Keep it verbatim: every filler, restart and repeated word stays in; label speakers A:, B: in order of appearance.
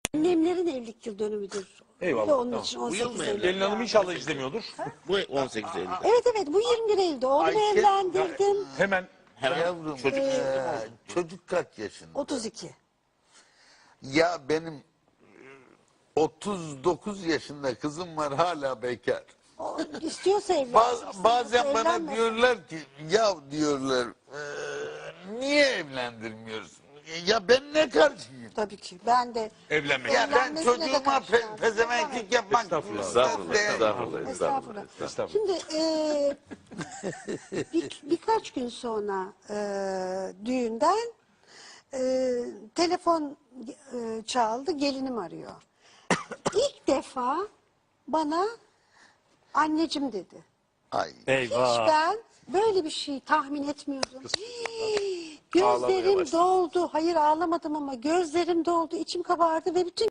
A: Annemlerin evlilik yıl dönümüdür.
B: Eyvallah,
A: Ve onun
B: tamam.
A: için
C: Bu
A: on
C: yıl
A: sekiz
C: mı
A: Eylül.
B: Gelin hanım inşallah izlemiyordur.
C: Bu on sekiz Eylül.
A: Evet evet, bu yirmi bir Eylül'de. Oğlumu
D: Ayşe-
A: evlendirdim.
B: Hemen
C: Hemen
D: Yavrum
C: çocuk
D: eee, çocuk kaç yaşında?
A: otuz iki.
D: Ya benim otuz dokuz yaşında kızım var, hala bekar.
A: O, istiyorsa evlensin.
D: Ba-
A: istiyorsa
D: bazen bana
A: evlenmesin.
D: diyorlar ki ya diyorlar eee, niye evlendirmiyorsun? Ya ben ne karşıyım?
A: Tabii ki. Ben de
B: evlenmek.
D: Ya ben
A: Evlenmesine de
D: çocuğuma
A: karşıyım.
D: pe pezevenklik yapmak
B: Estağfurullah.
C: Estağfurullah,
D: değer-
C: estağfurullah,
A: Estağfurullah.
C: estağfurullah.
B: Estağfurullah.
A: Şimdi e, bir, birkaç gün sonra e, düğünden e, telefon e, çaldı, gelinim arıyor. İlk defa bana anneciğim dedi.
D: Ay.
A: Hiç
B: Eyvah.
A: ben böyle bir şey tahmin etmiyordum. Hii,
B: Ağlamaya
A: gözlerim
B: başladı.
A: doldu. Hayır, ağlamadım ama gözlerim doldu, içim kabardı ve bütün